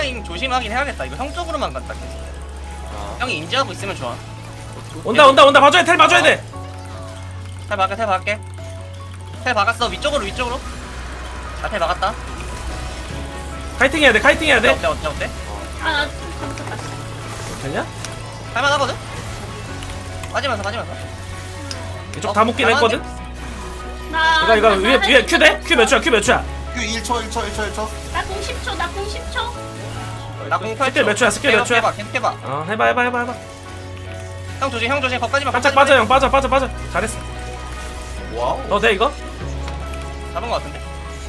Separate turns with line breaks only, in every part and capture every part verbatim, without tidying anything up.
타이밍 조심하긴 해야겠다. 이거 형 쪽으로만 간다 계속.
아.
형이 인지하고 있으면 좋아.
온다 온다 온다 봐줘야 텔 봐줘야 돼.
텔 박게 텔 박게. 텔 박았어. 위쪽으로 위쪽으로. 아, 텔 박았다.
카이팅 해야 돼 카이팅 해야
어때
돼.
어때 어때 어때?
아, 잠깐만.
되냐?
할만하거든? 빠지면서 빠지면서.
이쪽
어,
다 묶긴
할만한데?
했거든.
나
이거 이거
나-
위에
나
위에 큐 돼? 큐 몇 초야? 큐 몇 초야?
그 일 초 일 초 일 초 일 초.
나공 십 초, 나공 십 초.
나공
스킬 몇 초야? 스킬 몇 초야?
해봐 계속 해봐.
어 해봐 해봐 해봐 해봐.
형 조심 형 조심 거기까지만.
깜짝
거기까지만
빠져
해.
형 빠져 빠져 빠져. 잘했어.
와우.
너 돼 이거?
잡은 거 같은데?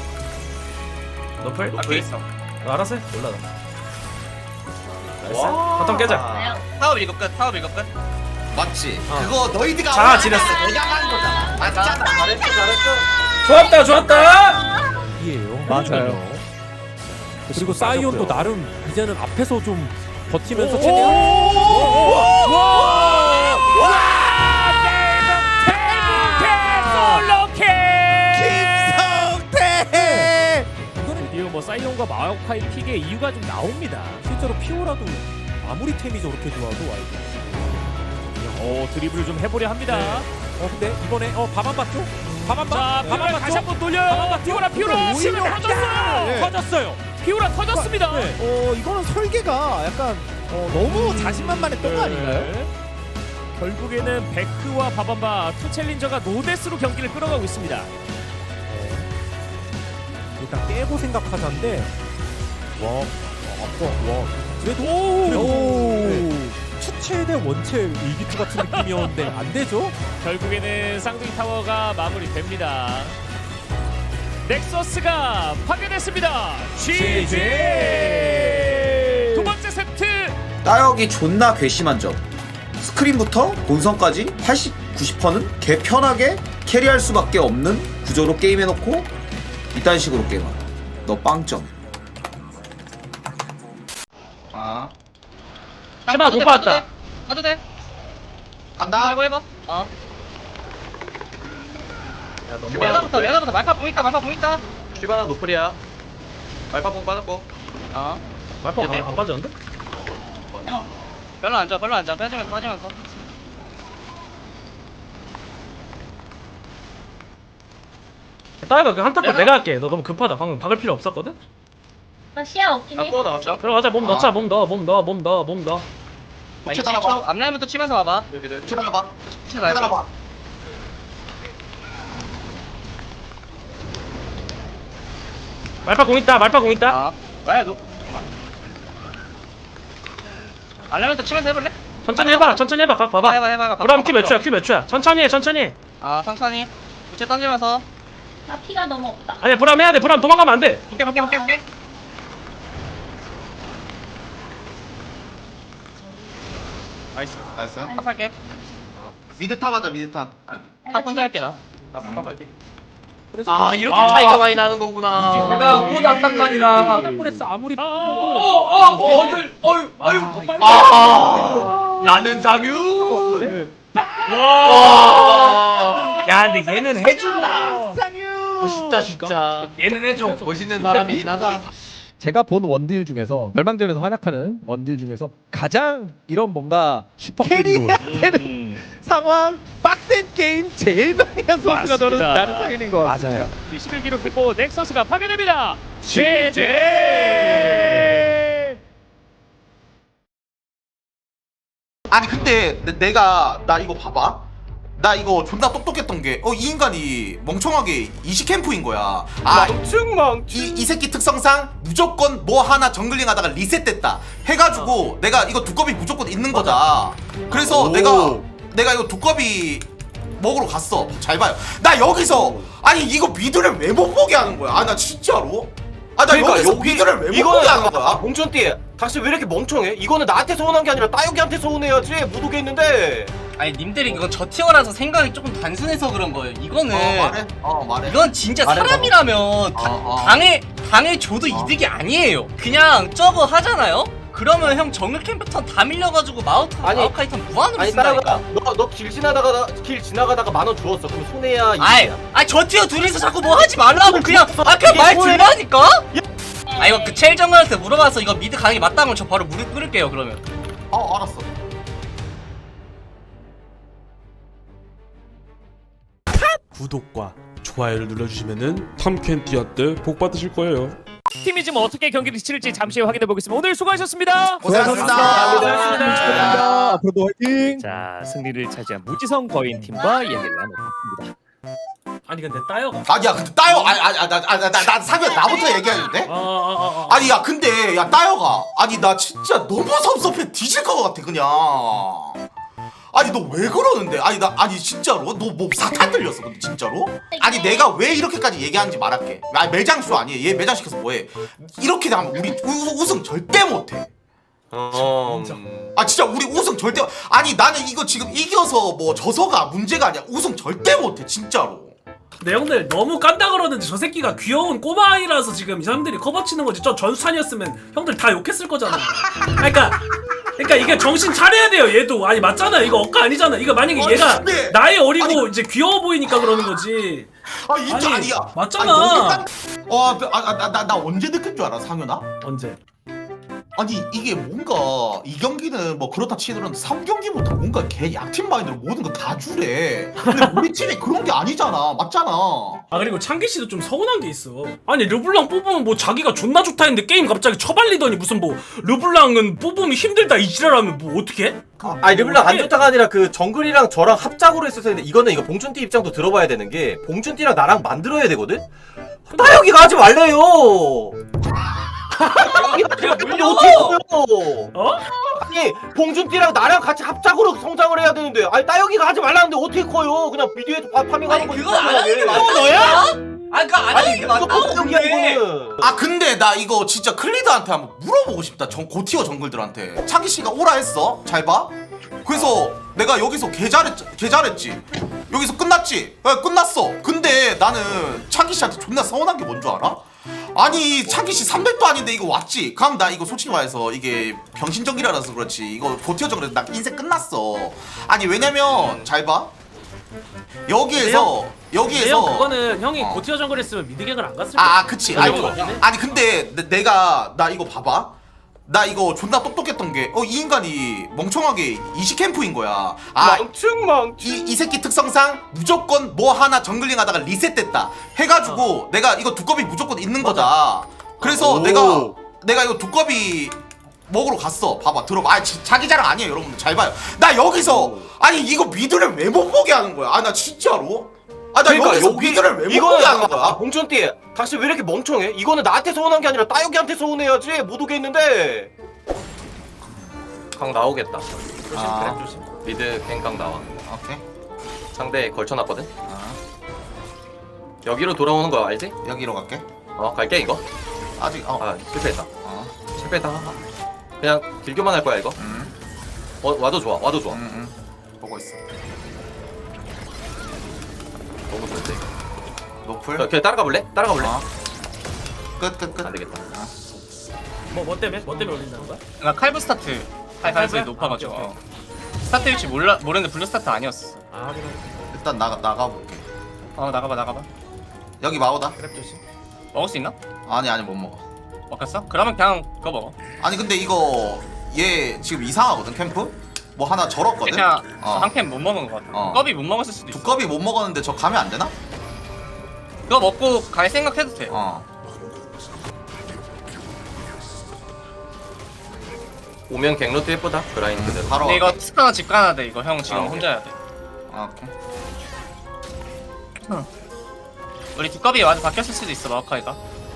너플?
아 뒤에 있어.
너 알아서 해. 몰라 나. 나이스.
와.
바텀 깨자.
나요.
타워 밀고 끝 타워 밀고 끝.
맞지.
어.
그거 너희들가
자,
원하는
지렸어.
내가 한 거잖아. 맞잖아.
잘했어 잘했어.
좋았다 좋았다.
이에요.
맞아요. 그리고 사이온도 나름 이제는 앞에서 좀 버티면서
오!
최대한
김성태.
이거는 드디어 뭐 사이온과 마오카이 픽의 이유가 좀 나옵니다. 실제로 피오라도 아무리 템이 저렇게 좋아도 와이드. 어 드리블 좀 해보려 합니다. 어 근데 이번에 어 밥안 맞죠? 밥안 맞. 자 밥안 다시 한번 돌려요. 피오라 피오라
오히려
터졌어요.
네.
터졌어요. 피오라 터졌습니다.
네. 어 이거는 설계가 약간 어, 너무 자신만만했던 거 아닌가요?
네. 결국에는 베크와 바밤바 투 챌린저가 노데스로 경기를 끌어가고 있습니다.
일단 깨고 생각하자인데 와 아빠 와 그래도
오!
네. 추체 대 원체 일기투 같은 느낌이었는데 안 되죠?
결국에는 쌍둥이 타워가 마무리됩니다. 넥서스가 파괴됐습니다. 지지! 두 번째 세트.
따역이 존나 괘씸한 점. 스크린부터 본선까지 팔십, 구십 퍼센트는 개 편하게 캐리할 수밖에 없는 구조로 게임해놓고 이딴 식으로 게임하라. 너 빵점.
아.
해봐, 못 받았다.
봐도 돼.
간다.
알고 해봐. 어. 메가부터 메가부터 말파 뽕 있다 말파 뽕 있다.
슈바나 노플이야. 말파봉 빠졌고.
어.
말파 안, 안 빠졌는데?
별로 안 좋아 별로 안 좋아 빠지면서 빠지면서.
따위가 그 한타콜 내가 할게. 너 너무 급하다. 방금 박을 필요 없었거든?
나 시야 없긴 해.
앞으로 나왔죠.
들어가자. 몸 넣자. 몸 넣어. 몸 넣어. 몸 넣어. 몸 넣어.
혹시 따라봐.
앞라인부터 치면서 와봐.
여기들. 따라봐.
치면서
따라봐.
말파 공 있다. 말파 공 있다.
아. 왜 너? 앞라인부터 치면서 해볼래?
천천히 해봐. 천천히 해봐. 각 봐봐.
해봐 해봐 해봐.
그럼 큐 몇 초야? 큐 몇 초야? 천천히 해. 천천히 해.
아 천천히. 부채 던지면서.
나 피가 너무 없다.
아니야. 브람 해야 돼. 브람 도망가면 안 돼.
볼게 볼게 볼게 볼게.
나이스. 나이스.
합할게.
미드 탑 하자 미드 탑.
탑 혼자 할게 나. 나 탑 할게.
아 이렇게 차이가 많이 나는 거구나.
내가 못 안딱만이라.
폴에스 아무리
어들 어유 아유. 아. 나는 상유. 와. 야 근데 얘는 해준다. 상유. 멋있다 진짜. 얘는 해줘. 멋있는 사람이긴 하다.
제가 본 원딜 중에서 멸망전에서 활약하는 원딜 중에서 가장 이런 뭔가 슈퍼 캐리해야 되는 상황 빡센 게임 제일 많이 한 선수가 저는
맞습니다.
나는 상인인 것 같아요.
맞아요. 십일 기록 듣고 넥서스가 파괴됩니다. 지지!
아니 근데 내, 내가 나 이거 봐봐. 나 이거 존나 똑똑했던 게 어 이 인간이 멍청하게 이시 캠프인 거야. 아
멍충멍.
이, 이 새끼 특성상 무조건 뭐 하나 정글링 하다가 리셋됐다 해가지고 내가 이거 두꺼비 무조건 있는 거다. 그래서
오.
내가 내가 이거 두꺼비 먹으러 갔어. 잘 봐요. 나 여기서 아니 이거 미드를 왜 못 보게 하는 거야? 아 나 진짜로? 아 나
그러니까
여기서
여기
미드를 왜 못
이거는
보게 하는
잠깐만,
거야?
봉천띠 당신 왜 이렇게 멍청해? 이거는 나한테 서운한 게 아니라 따여기한테 서운해야지. 못 오겠는데.
아니 님들이 이거 저 티어라서 생각이 조금 단순해서 그런 거예요. 이거는
어 말해. 어 말해.
이건 진짜
말해봐.
사람이라면 다,
어, 어.
당해 당해 줘도
어.
이득이 아니에요. 그냥 저거 하잖아요. 그러면 형 정글 캠프턴 다 밀려가지고 마우터
아니,
마우카이턴 무한으로
아니
쓴다니까.
따라가. 너너 길 지나다가 길 지나가다가 만 원 주웠어. 그럼 손해야
아이,
이득이야.
아이 저 티어 둘이서 자꾸 뭐 하지 말라고 그냥 아 그냥 말
이게 뭐야?
들라니까. 아 이거 그 첼 정글한테 물어봐서 이거 미드 가는 게 맞다면 저 바로 무릎 꿇을게요 그러면.
어 알았어.
구독과 좋아요를 눌러주시면은 탐켄티아 때 복 받으실 거예요.
팀이 지금 어떻게 경기를 치를지 잠시 후에 확인해 보겠습니다. 오늘 수고하셨습니다.
고생하셨습니다.
고생하셨습니다.
앞으로도 화이팅!
자, 승리를 차지한 무지성 거인 팀과 이야기를 나눠봤습니다.
아니 근데 따여가.
아니야 근데 따요. 아니 아니 나나나 상현 나부터 얘기하는데.
아, 아, 아, 아.
아니 야 근데 야 따여가. 아니 나 진짜 너무 섭섭해 뒤질 것 같아 그냥. 아니 너 왜 그러는데? 아니 나 아니 진짜로 너 뭐 사탄 들렸어 근데 진짜로? 아니 내가 왜 이렇게까지 얘기하는지 말할게. 아 매장쇼 아니에요. 얘 매장 시켜서 뭐해? 이렇게 되면 우리 우, 우승 절대 못해.
어...
아 진짜 우리 우승 절대. 아니 나는 이거 지금 이겨서 뭐 져서가 문제가 아니야. 우승 절대 못해 진짜로.
근데 형들 너무 깐다 그러는데 저 새끼가 귀여운 꼬마 아이라서 지금 이 사람들이 커버 치는 거지. 저 전수찬이었으면 형들 다 욕했을 거잖아. 그러니까 그러니까 이게 정신 차려야 돼요. 얘도 아니 맞잖아. 이거 억까 아니잖아. 이거 만약에
아니,
얘가
근데-
나이 어리고
아니-
이제 귀여워 보이니까 그러는 거지.
아 진짜
아니,
아니야.
맞잖아.
어아나나 나 언제 느낀 줄 알아 상현아?
언제?
아니 이게 뭔가 이 경기는 뭐 그렇다 치더라도 삼 경기부터 뭔가 걔 약팀 마인드로 모든 거 다 주래. 근데 우리 팀이 그런 게 아니잖아. 맞잖아.
아 그리고 창기 씨도 좀 서운한 게 있어. 아니 르블랑 뽑으면 뭐 자기가 존나 좋다 했는데 게임 갑자기 처발리더니 무슨 뭐 르블랑은 뽑으면 힘들다 이 지랄하면 뭐 어떻게?
아니 르블랑 안 좋다가 아니라 그 정글이랑 저랑 합작으로 했었을 때 이거는 이거 봉준띠 입장도 들어봐야 되는 게 봉준띠랑 나랑 만들어야 되거든? 따여기가 하지 말래요. 근데 어떻게 커요?
어?
아니 봉준띠랑 나랑 같이 합작으로 성장을 해야 되는데 아니 따여기가 하지 말라는데 어떻게 커요? 그냥 비디오에서 파- 파밍하는 거지.
그거 안 하는 게 맞는 거야? 아니 그거 안 하는 게
이거
맞다고
경기야
근데.
이거는.
아 근데 나 이거 진짜 클리드한테 한번 물어보고 싶다. 정 고티어 정글들한테. 창기 씨가 오라 했어. 잘 봐. 그래서 내가 여기서 개 잘했 개 잘했지. 여기서 끝났지. 야, 끝났어. 근데 나는 창기 씨한테 존나 서운한 게 뭔 줄 알아? 아니 창기 씨 삼백도 아닌데 이거 왔지. 그럼 나 이거 솔직히 말해서 이게 병신정글이라서 그렇지. 이거 고티어 정글에서 나 인생 끝났어. 아니 왜냐면 잘 봐. 여기에서 여기에서
형 그거는 형이
어.
고티어 정글 했으면 미드갱을 안 갔을 거야.
아, 아 그치. 아니,
그런 거 같네.
아니 근데 내, 내가 나 이거 봐봐. 나 이거 존나 똑똑했던 게 어 이 인간이 멍청하게 이십 캠프인 거야. 아,
망충 망충.
이, 이 새끼 특성상 무조건 뭐 하나 정글링 하다가 리셋됐다 해가지고 내가 이거 두꺼비 무조건 있는 거다. 그래서
오.
내가 내가 이거 두꺼비 먹으러 갔어. 봐봐 들어봐. 아 지- 자기 자랑 아니에요 여러분. 잘 봐요. 나 여기서 아니 이거 미드를 왜 못 보게 하는 거야. 아 나 진짜로. 아 나 여기서 미드를 왜 못 보게 하는 거야.
봉준띠 당신 왜 이렇게 멍청해? 이거는 나한테 서운한 게 아니라 따여기한테 서운해야지. 못 오게 했는데. 강 나오겠다. 조심
아.
그래 조심. 미드 갱강 나와.
오케이.
상대 걸쳐놨거든.
아,
여기로 돌아오는 거 알지?
여기로 갈게.
어 갈게 이거.
아직 어.
아 실패했다.
어.
실패했다. 그냥 딜교만 할 거야 이거.
음.
어 와도 좋아. 와도 좋아.
음, 음. 보고 있어.
너무 좋은데 이거.
노플.
자, 그냥 따라가 볼래? 따라가 볼래?
어. 끝, 끝, 끝.
안 되겠다.
뭐, 뭐 때문에? 뭐 때문에 올린다는 거야?
나 칼브 스타트 할 가능성이 높아가지고 어. 스타트 위치 몰라 모르는데 블루 스타트 아니었어.
아 그래.
일단 나가 나가볼게.
어 나가봐 나가봐.
여기 마오다.
그래 조심.
먹을 수 있나?
아니 아니 못 먹어.
먹혔어? 그러면 그냥 그거 먹어.
아니 근데 이거 얘 지금 이상하거든 캠프? 뭐 하나 절었거든?
그냥
어.
한 캔 못 먹은 것 같아.
어.
두꺼비 못 먹었을 수도 있어.
두꺼비 못 먹었는데 저 가면 안 되나?
그거 먹고 갈 생각해도 돼.
어.
오면 갱로트 예쁘다. 그라인드대로.
바로.
근데 이거
갈게.
스카나 집 가야 돼. 이거 형 지금
아, 오케이.
혼자 해야 돼.
아, 오케이.
우리 두꺼비 와도 바뀌었을 수도 있어 마오카이가.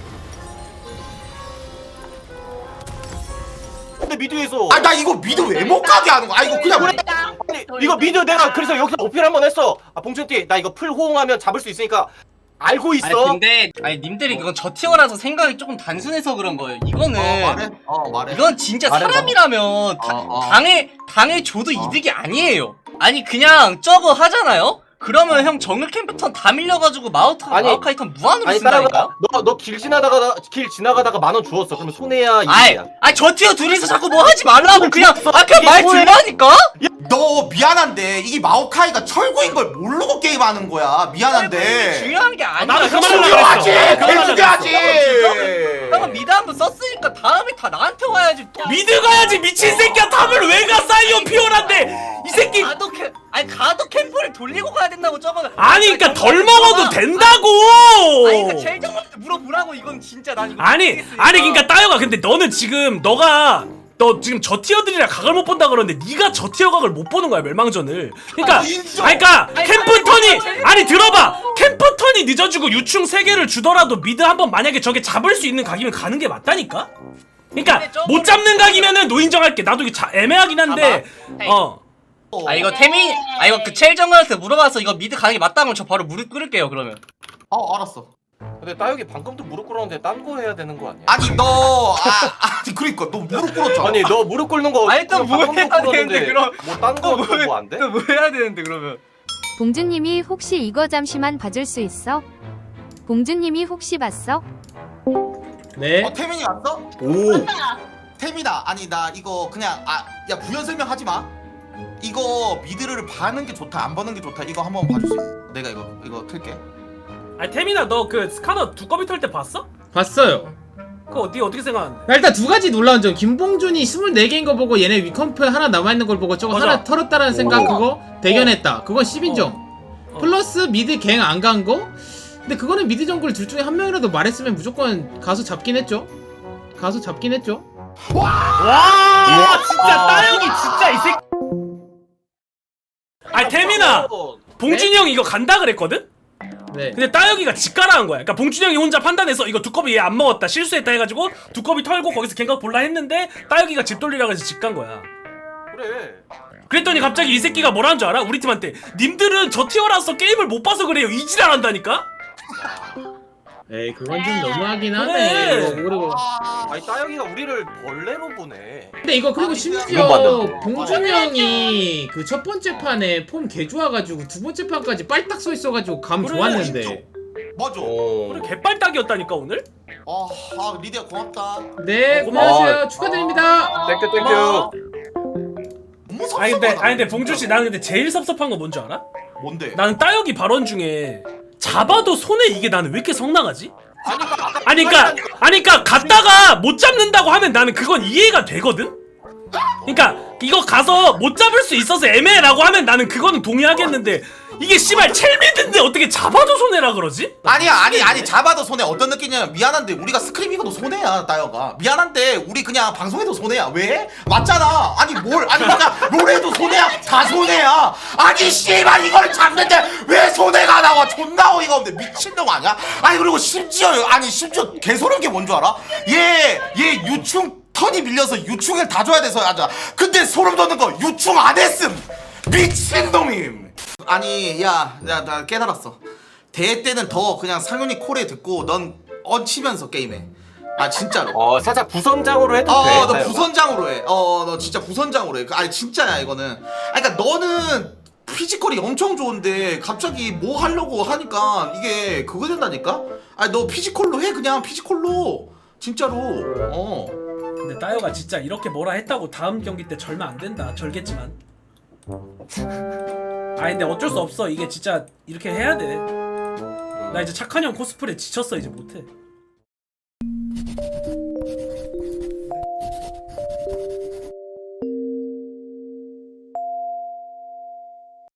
근데 미드에서
아 나 이거 미드 왜 못 가게 하는 거야? 아 이거 그냥
아니, 이거 미드 내가 그래서 여기서 어필 한번 했어. 아 봉준띠 나 이거 풀 호응하면 잡을 수 있으니까 알고 있어.
아니 근데 아니 님들이 그건 저 티어라서 생각이 조금 단순해서 그런 거예요. 이거는
어 말해. 어 말해.
이건 진짜
말해봐.
사람이라면 다,
어, 어.
당해 당해 줘도 이득이 아니에요. 아니 그냥 저거 하잖아요. 그러면 형 정글 캠프턴 다 밀려가지고 마우터
아니,
마우카이 턴 무한으로
아니
쓴다니까.
따라가. 너너 길 지나다가 길 지나가다가 만 원 주웠어. 그러면 손해야
아이,
이득이야.
아이 저 티어 둘이서 자꾸 뭐 하지 말라고 그냥 아 그냥
이게
말
뭐야?
들라니까.
너 미안한데 이게 마오카이가 철구인 걸 모르고 게임하는 거야. 미안한데.
중요한 게 아니야.
나도 그
형.
말을
죽여야지.
그랬어.
개 죽여야지.
형은 미드 한번 썼으니까 다음에 다 나한테 와야지. 또.
미드 가야지 미친 새끼야. 탑을 왜 가? 사이온 피오란데 이 새끼.
가도 캠 아니 가도 캠프를 돌리고 가야 된다고 저거는.
아니 그러니까 덜 먹어도 된다고.
아니 그러니까 첼정한테 물어보라고. 이건 진짜 난 이거
아니
모르겠으니까.
아니 그러니까 따여가 근데 너는 지금 너가 너 지금 저 티어들이랑 각을 못 본다 그러는데 네가 저 티어 각을 못 보는 거야 멸망전을. 그러니까 아니 그러니까 캠프 턴이 아니 들어봐 캠프 턴이 늦어지고 유충 세 개를 주더라도 미드 한번 만약에 저게 잡을 수 있는 각이면 가는 게 맞다니까. 그러니까 못 잡는 각이면은 노인정할게. 나도 이게 자, 애매하긴 한데 어.
아 이거 태민 아 이거 그 첼정한테 물어봐서 이거 미드 가는 게 맞다면 저 바로 무릎 꿇을게요 그러면.
어 알았어.
근데 따혁이 방금도 무릎 꿇었는데 딴 거 해야 되는 거 아니야?
아니 너 아, 아니 그러니까 너 무릎 꿇었잖아.
아니 너 무릎 꿇는 거
아니, 또
그냥
뭐 해야
방금도
되는데,
꿇었는데
그럼.
뭐 딴 거 뭐 안 돼?
뭐 해야 되는데 그러면.
봉준님이 혹시 이거 잠시만 봐줄 수 있어? 봉준님이 혹시 봤어?
네.
어 태민이 왔어?
오.
태민아 아니 나 이거 그냥 아 야 부연 설명하지 마. 이거 미드를 봐는 게 좋다 안 보는 게 좋다 이거 한번 봐줄 수 있어? 내가 이거 이거 틀게.
아니 태민아 너 그 스카너 두꺼비 털 때 봤어?
봤어요.
그거 어디 어떻게 생각하는데?
나 일단 두 가지 놀라운 점. 김봉준이 스물네 개인 거 보고 얘네 위컴프 하나 남아있는 걸 보고 저거
맞아.
하나 털었다라는 생각 그거 대견했다. 그건 십 인정.
어.
플러스 미드 갱 안 간 거? 근데 그거는 미드 정글 둘 중에 한 명이라도 말했으면 무조건 가서 잡긴 했죠. 가서 잡긴 했죠.
와 진짜 따영이 진짜 이 새끼. 아니 태민아 봉준이 형 이거 간다 그랬거든?
네.
근데 따혁이가 직가라한 거야. 그러니까 봉준이 형이 혼자 판단해서 이거 두꺼비 얘 안 먹었다 실수했다 해가지고 두꺼비 털고 거기서 갱각 볼라 했는데 따혁이가 집 돌리라고 해서 집 간 거야.
그래.
그랬더니 갑자기 이 새끼가 뭐라는 줄 알아? 우리 팀한테 님들은 저 티어라서 게임을 못 봐서 그래요. 이지랄 한다니까?
에이 그건 좀 너무하긴
그래.
하네. 그리고
아니 따혁이가 우리를 벌레로 보네.
근데 이거 그리고
이건
심지어
맞는데.
봉준이 형이 그 첫 번째 판에 폼 개 좋아가지고 두 번째 판까지 빨딱 서 있어가지고 감
그래,
좋았는데.
맞아.
그래 개빨딱이었다니까 오늘?
어, 아 리디야 고맙다.
네,
고마워.
안녕하세요. 축하드립니다.
땡큐 땡큐.
고마워.
너무 섭섭하다.
아니 근데 아니 근데 봉준 씨 나는 근데 제일 섭섭한 거 뭔지 알아?
뭔데?
나는 따혁이 발언 중에 잡아도 손에 이게 나는 왜 이렇게 성나가지? 아니 그니까 아니 그니까 갔다가 못 잡는다고 하면 나는 그건 이해가 되거든? 그니까 이거 가서 못 잡을 수 있어서 애매라고 하면 나는 그거는 동의하겠는데 이게 씨발 첼미드인데 어떻게 잡아도 손해라 그러지?
아니야 아니 아니 잡아도 손해. 어떤 느낌이냐면 미안한데 우리가 스크림 이거도 손해야 따여가. 미안한데 우리 그냥 방송에도 손해야. 왜? 맞잖아. 아니 뭘 아니 그냥 롤에도 손해야. 다 손해야. 아니 씨발 이걸 잡는데 왜 손해가 나와. 존나 어이가 없네. 미친놈 아니야? 아니 그리고 심지어 아니 심지어 개소름 게 뭔 줄 알아? 얘 얘 유충 턴이 밀려서 유충을 다 줘야 돼서 하자. 근데 소름 돋는 거 유충 안 했음. 미친놈임. 아니 야 야 나 깨달았어. 대회 때는 더 그냥 상윤이 콜에 듣고 넌 얹히면서 게임해. 아 진짜로.
어 살짝 부선장으로 해도 돼.
어 너
따혁아.
부선장으로 해. 어 너 진짜 부선장으로 해. 아니 진짜야 이거는. 아니 그러니까 너는 피지컬이 엄청 좋은데 갑자기 뭐 하려고 하니까 이게 그거 된다니까? 아니 너 피지컬로 해 그냥 피지컬로. 진짜로. 어.
근데 따혁아 진짜 이렇게 뭐라 했다고 다음 경기 때 절면 안 된다. 절겠지만. 아니 근데 어쩔 수 없어. 이게 진짜 이렇게 해야 돼. 나 이제 착한 형 코스프레 지쳤어. 이제 못해.